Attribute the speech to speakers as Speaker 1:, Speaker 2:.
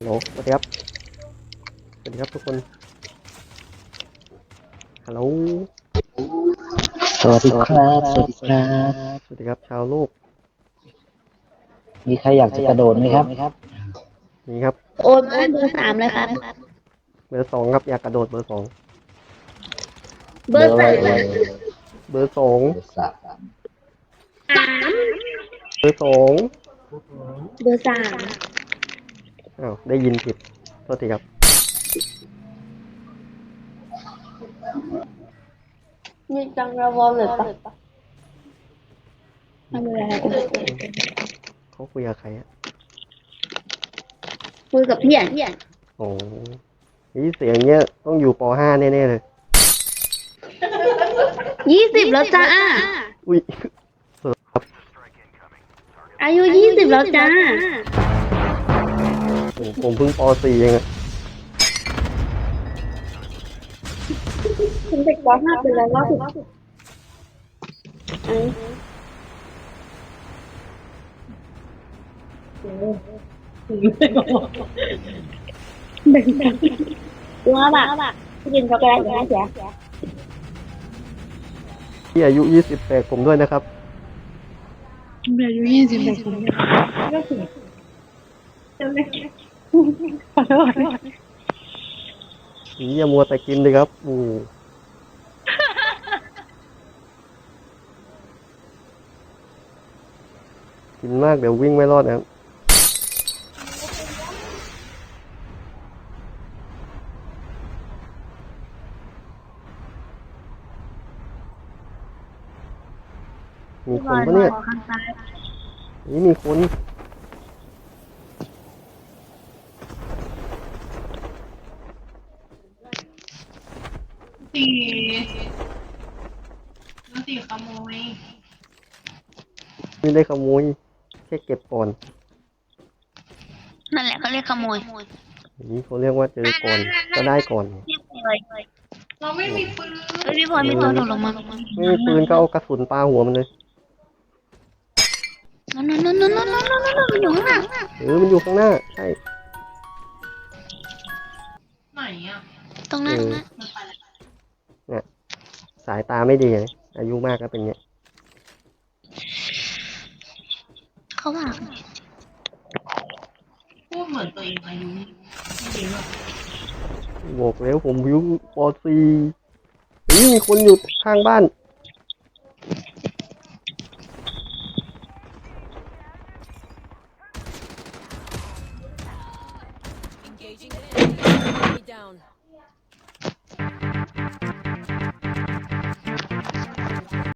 Speaker 1: ฮัลโหลสวัสดีครับสวัสดีครับทุกคนฮัลโหล
Speaker 2: สวัสดีครับ สวัสดีครับ
Speaker 1: สวัสดีครับชาวโลก
Speaker 2: มีใครอยากจะกระโดดไหมครับ
Speaker 1: นี่ครับ
Speaker 3: โอนมาเบอร์สามเลยครับ
Speaker 1: เบอร์สองครับอยากกระโดดเบอร์สอง
Speaker 3: เบอร์สาม
Speaker 1: เบอร์สอง
Speaker 2: เบอร์สาม
Speaker 1: เบอร์สอง
Speaker 3: เบอร์สาม
Speaker 1: อ้าวได้ยินผิดโทษทีครับ
Speaker 3: มีจังระวอลเลยปะทำอะไร
Speaker 1: เขาคุยกับใครอะ
Speaker 3: คุยกับเพี่อน
Speaker 1: โอ้นี่เสียงเนี้ยต้องอยู่ป .5 แน่ๆเลย
Speaker 3: 20แล้วจ้า
Speaker 1: อุ้ย
Speaker 3: อายุ20แล้วจ้า
Speaker 1: ผมเพิ่งป .4 เองอะ
Speaker 3: คุณเด็กป .5 ไปแล้วล่าสุดว่าแบบกินช็อกโกแลตอย่างนี้เสีย
Speaker 1: ที่อายุ20แตกผมด้วยนะครับ
Speaker 3: อายุ20แบบผมก็ถึงจะไม่ขอโทษ
Speaker 1: นี่อย่ามัวแต่กินเลยครับกินมากเดี๋ยววิ่งไม่รอดนะครับมีคนปะเนี่ยนี่มีคน
Speaker 4: สี่แล้วสี่ขโมย
Speaker 1: ไม่ได้ขโมยแค่เก็บก่อน
Speaker 3: นั่นแหละเขาเรียกขโมย
Speaker 1: นี่เขาเรียกว่าเจอก่อนก็ได้ก่อน
Speaker 4: เราไม่มีปืน
Speaker 3: พี่พลอยมีตัวโดดลงมา
Speaker 1: ไม่มีปืนก็เอากระสุนปาหัวมันเลย
Speaker 3: นั่นมันอยู่ข้างหน้า
Speaker 1: มันอยู่ข้างหน้าใช่
Speaker 4: ไหนอ่ะ
Speaker 3: ตรงนั้น
Speaker 4: มันไปแล้ว
Speaker 1: เนี่ยสายตาไม่ดีไงอายุมากก็เป็นเงี้ย
Speaker 3: เขาว่า
Speaker 4: พูดเหมือนตัวเองอายุไม่เยอะ
Speaker 1: บอกแล้วผมอายุป .4 นี่มีคนอยู่ข้างบ้าน
Speaker 5: Engaging the enemy. Enemy down.